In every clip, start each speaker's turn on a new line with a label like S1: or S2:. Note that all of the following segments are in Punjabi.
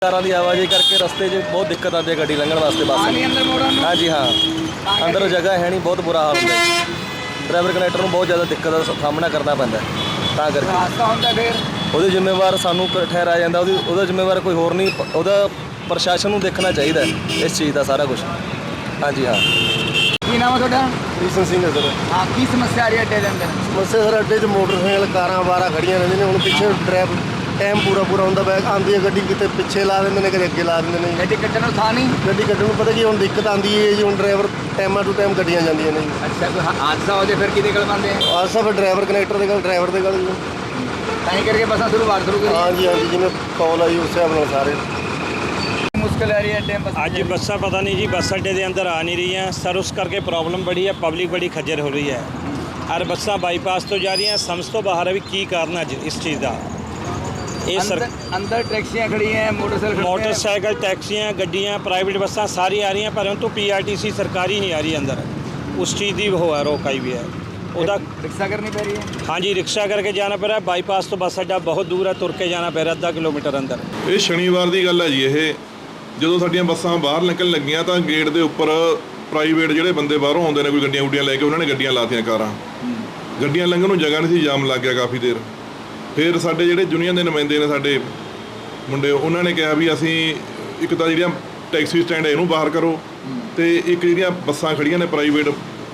S1: ਕਾਰਾਂ ਦੀ ਆਵਾਜਾਈ ਕਰਕੇ ਰਸਤੇ 'ਚ ਬਹੁਤ ਦਿੱਕਤ ਆਉਂਦੀ ਹੈ ਗੱਡੀ ਲੰਘਣ ਵਾਸਤੇ ਬੱਸ। हाँ जी हाँ, अंदर जगह है नहीं, बहुत बुरा हाल होता है। ड्राइवर कनैक्टर ਨੂੰ ਬਹੁਤ ਜ਼ਿਆਦਾ ਦਿੱਕਤ ਦਾ ਸਾਹਮਣਾ ਕਰਨਾ ਪੈਂਦਾ ਤਾਂ ਕਰਕੇ
S2: ਹਾਦਸਾ ਹੁੰਦਾ ਫਿਰ
S1: ਉਹਦੇ ਜ਼ਿੰਮੇਵਾਰ ਸਾਨੂੰ ਠਹਿਰਾਇਆ ਜਾਂਦਾ। ਉਹਦਾ ਜ਼ਿੰਮੇਵਾਰ ਕੋਈ ਹੋਰ ਨਹੀਂ, ਉਹਦਾ ਪ੍ਰਸ਼ਾਸਨ ਨੂੰ ਦੇਖਣਾ ਚਾਹੀਦਾ ਇਸ ਚੀਜ਼ ਦਾ ਸਾਰਾ ਕੁਝ। ਹਾਂਜੀ ਹਾਂ।
S2: ਕੀ ਨਾਮ ਹੈ ਤੁਹਾਡਾ?
S3: ਕ੍ਰਿਸ਼ਨ ਸਿੰਘ ਹੈ ਸਰ।
S2: ਹਾਂ, ਕੀ ਸਮੱਸਿਆ ਆ ਰਹੀ ਹੈ ਅੱਡੇ ਦੇ ਅੰਦਰ?
S3: ਸਮੱਸਿਆ ਸਰ ਅੱਡੇ 'ਚ ਮੋਟਰਸਾਈਕਲ ਕਾਰਾਂ ਵਾਰਾਂ ਖੜੀਆਂ ਰਹਿੰਦੀਆਂ ਨੇ। ਹੁਣ ਪਿੱਛੇ ਡਰਾਈਵਰ ਟਾਈਮ ਪੂਰਾ ਹੁੰਦਾ ਪਿਆ, ਆਉਂਦੀ ਹੈ ਗੱਡੀ ਕਿਤੇ ਪਿੱਛੇ ਲਾ ਦਿੰਦੇ ਨੇ, ਕਦੇ ਅੱਗੇ ਲਾ ਦਿੰਦੇ ਨੇ।
S2: ਗੱਡੀ ਕੱਢਣ ਨੂੰ ਥਾਂ ਨਹੀਂ।
S3: ਗੱਡੀ ਕੱਢਣ ਨੂੰ ਪਤਾ ਕੀ ਹੁਣ ਦਿੱਕਤ ਆਉਂਦੀ ਹੈ ਜੀ, ਹੁਣ ਡਰਾਈਵਰ ਟਾਈਮਾਂ ਟੂ ਟਾਈਮ ਗੱਡੀਆਂ ਜਾਂਦੀਆਂ ਨੇ ਜੀ।
S2: ਅੱਛਾ, ਕੋਈ ਹਾਦਸਾ ਹੋ ਜਾਏ ਫਿਰ ਕਿਹਦੇ ਕੋਲ ਪਾਉਂਦੇ ਆ?
S3: ਆਹ ਸਭ ਡਰਾਈਵਰ ਕਨੈਕਟਰ ਦੇ ਗੱਲ, ਡਰਾਈਵਰ ਦੇ ਗੱਲ ਜੀ।
S2: ਤਾਂ ਹੀ ਕਰਕੇ ਬੱਸਾਂ ਸ਼ੁਰੂ ਕਰੀ।
S3: ਹਾਂਜੀ ਹਾਂਜੀ, ਜਿਵੇਂ ਕੌਲ ਆਈ ਉਸ ਹਿਸਾਬ ਨਾਲ ਸਾਰੇ।
S2: ਮੁਸ਼ਕਿਲ ਆ ਰਹੀ ਹੈ ਅੱਡੇ ਬੱਸ
S4: ਅੱਜ ਬੱਸਾਂ ਪਤਾ ਨਹੀਂ ਜੀ ਬੱਸ ਅੱਡੇ ਦੇ ਅੰਦਰ ਆ ਨਹੀਂ ਰਹੀਆਂ ਸਰ, ਉਸ ਕਰਕੇ ਪ੍ਰੋਬਲਮ ਬੜੀ ਹੈ, ਪਬਲਿਕ ਬੜੀ ਖੱਜਲ ਹੋ ਰਹੀ ਹੈ। ਔਰ ਬੱਸਾਂ ਬਾਈਪਾਸ ਤੋਂ ਜਾ ਰਹੀਆਂ, ਸਮਝ ਤੋਂ ਬਾਹਰ ਹੈ ਵੀ ਕੀ ਕਾਰਨ ਅੱਜ ਇਸ ਚੀਜ਼ ਦਾ। ਇਹ
S2: ਅੰਦਰ ਟੈਕਸੀਆਂ ਖੜੀਆਂ,
S4: ਮੋਟਰਸਾਈਕਲ, ਟੈਕਸੀਆਂ, ਗੱਡੀਆਂ, ਪ੍ਰਾਈਵੇਟ ਬੱਸਾਂ ਸਾਰੀ ਆ ਰਹੀਆਂ, ਪਰੰਤੂ PRTC ਸਰਕਾਰੀ ਨਹੀਂ ਆ ਰਹੀ ਅੰਦਰ। ਉਸ ਚੀਜ਼ ਦੀ ਉਹ ਹੈ, ਰੋਕ ਆਈ ਵੀ ਹੈ ਉਹਦਾ।
S2: ਰਿਕਸ਼ਾ ਕਰਨੀ ਪੈ ਰਹੀ ਹੈ।
S4: ਹਾਂਜੀ, ਰਿਕਸ਼ਾ ਕਰਕੇ ਜਾਣਾ ਪੈ ਰਿਹਾ। ਬਾਈਪਾਸ ਤੋਂ ਬੱਸ ਅੱਡਾ ਬਹੁਤ ਦੂਰ ਹੈ, ਤੁਰ ਕੇ ਜਾਣਾ ਪੈ ਰਿਹਾ ਅੱਧਾ ਕਿਲੋਮੀਟਰ ਅੰਦਰ।
S5: ਇਹ ਸ਼ਨੀਵਾਰ ਦੀ ਗੱਲ ਹੈ ਜੀ। ਇਹ ਜਦੋਂ ਸਾਡੀਆਂ ਬੱਸਾਂ ਬਾਹਰ ਨਿਕਲਣ ਲੱਗੀਆਂ ਤਾਂ ਗੇਟ ਦੇ ਉੱਪਰ ਪ੍ਰਾਈਵੇਟ ਜਿਹੜੇ ਬੰਦੇ ਬਾਹਰੋਂ ਆਉਂਦੇ ਨੇ, ਕੋਈ ਗੱਡੀਆਂ ਗੁੱਡੀਆਂ ਲੈ ਕੇ, ਉਹਨਾਂ ਨੇ ਗੱਡੀਆਂ ਲਾਤੀਆਂ, ਕਾਰਾਂ। ਗੱਡੀਆਂ ਲੰਘਣ ਨੂੰ ਜਗ੍ਹਾ ਨਹੀਂ ਸੀ, ਜਾਮ ਲੱਗ ਗਿਆ ਕਾਫੀ ਦੇਰ। ਫਿਰ ਸਾਡੇ ਜਿਹੜੇ ਯੂਨੀਅਨ ਦੇ ਨੁਮਾਇੰਦੇ ਨੇ ਸਾਡੇ ਮੁੰਡੇ, ਉਹਨਾਂ ਨੇ ਕਿਹਾ ਵੀ ਅਸੀਂ ਇੱਕ ਤਾਂ ਜਿਹੜੀਆਂ ਟੈਕਸੀ ਸਟੈਂਡ ਇਹਨੂੰ ਬਾਹਰ ਕਰੋ, ਤੇ ਇੱਕ ਜਿਹੜੀਆਂ ਬੱਸਾਂ ਖੜੀਆਂ ਨੇ ਪ੍ਰਾਈਵੇਟ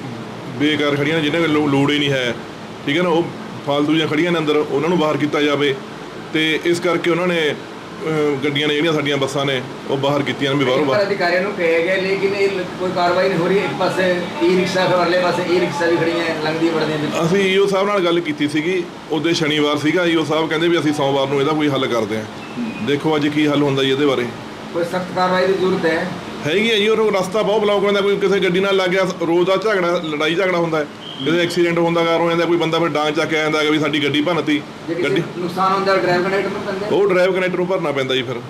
S5: ਬੇਕਾਰ ਖੜੀਆਂ ਨੇ, ਜਿਹਨਾਂ ਕੋਲ ਲੋੜ ਹੀ ਨਹੀਂ ਹੈ, ਠੀਕ ਹੈ ਨਾ, ਉਹ ਫਾਲਤੂ ਦੀਆਂ ਖੜੀਆਂ ਨੇ ਅੰਦਰ, ਉਹਨਾਂ ਨੂੰ ਬਾਹਰ ਕੀਤਾ ਜਾਵੇ। ਤੇ ਇਸ ਕਰਕੇ ਉਹਨਾਂ ਨੇ ਗੱਡੀਆਂ ਨੇ ਜਿਹੜੀਆਂ ਸਾਡੀਆਂ ਬੱਸਾਂ ਨੇ ਉਹ ਬਾਹਰ ਕੀਤੀਆਂ ਨੇ ਵੀ ਬਾਹਰੋਂ ਬਾਹਰ।
S2: ਅਧਿਕਾਰੀਆਂ ਨੂੰ ਕਹੇ ਗਏ ਲੇਕਿਨ ਕੋਈ ਕਾਰਵਾਈ ਨਹੀਂ ਹੋ ਰਹੀ। ਇੱਕ ਪਾਸੇ ਰਿਕਸ਼ਾ, ਫਿਰ ਅਗਲੇ ਪਾਸੇ ਰਿਕਸ਼ਾ ਵੀ ਖੜੀਆਂ ਲੰਘਦੀ ਵੜਦੀਆਂ।
S5: ਅਸੀਂ ਈਓ ਸਾਹਿਬ ਨਾਲ ਗੱਲ ਕੀਤੀ ਸੀਗੀ, ਉਹਦੇ ਸ਼ਨੀਵਾਰ ਸੀਗਾ। ਈਓ ਸਾਹਿਬ ਕਹਿੰਦੇ ਵੀ ਅਸੀਂ ਸੋਮਵਾਰ ਨੂੰ ਇਹਦਾ ਕੋਈ ਹੱਲ ਕਰਦੇ ਹਾਂ। ਦੇਖੋ ਅੱਜ ਕੀ ਹੱਲ ਹੁੰਦਾ ਜੀ ਇਹਦੇ ਬਾਰੇ।
S2: ਕੋਈ ਸਖਤ ਕਾਰਵਾਈ ਦੀ ਜ਼ਰੂਰਤ ਹੈ।
S5: ਹੈਗੀ ਹੈ ਜੀ। ਉਹ ਰਸਤਾ ਬਹੁਤ ਬਲੌਕ ਹੁੰਦਾ, ਕੋਈ ਕਿਸੇ ਗੱਡੀ ਨਾਲ ਲੱਗ ਗਿਆ, ਰੋਜ਼ ਦਾ ਝਗੜਾ, ਲੜਾਈ ਝਗੜਾ ਹੁੰਦਾ ਹੈ। ਕਿਤੇ ਐਕਸੀਡੈਂਟ ਹੁੰਦਾ ਕਾਰ ਹੋ ਜਾਂਦਾ, ਕੋਈ ਬੰਦਾ ਫਿਰ ਡਾਂਗ ਚੱਕ ਕੇ ਆ ਜਾਂਦਾ ਕਿ ਵੀ ਸਾਡੀ ਗੱਡੀ ਭੰਨਤੀ। ਗੱਡੀ
S2: ਨੁਕਸਾਨ ਹੁੰਦਾ ਡਰਾਈਵਰ ਕਨੈਕਟਰ ਨੂੰ ਪੈਂਦਾ,
S5: ਉਹ ਡਰਾਈਵਰ ਕਨੈਕਟਰ ਨੂੰ ਭਰਨਾ ਪੈਂਦਾ ਜੀ ਫਿਰ।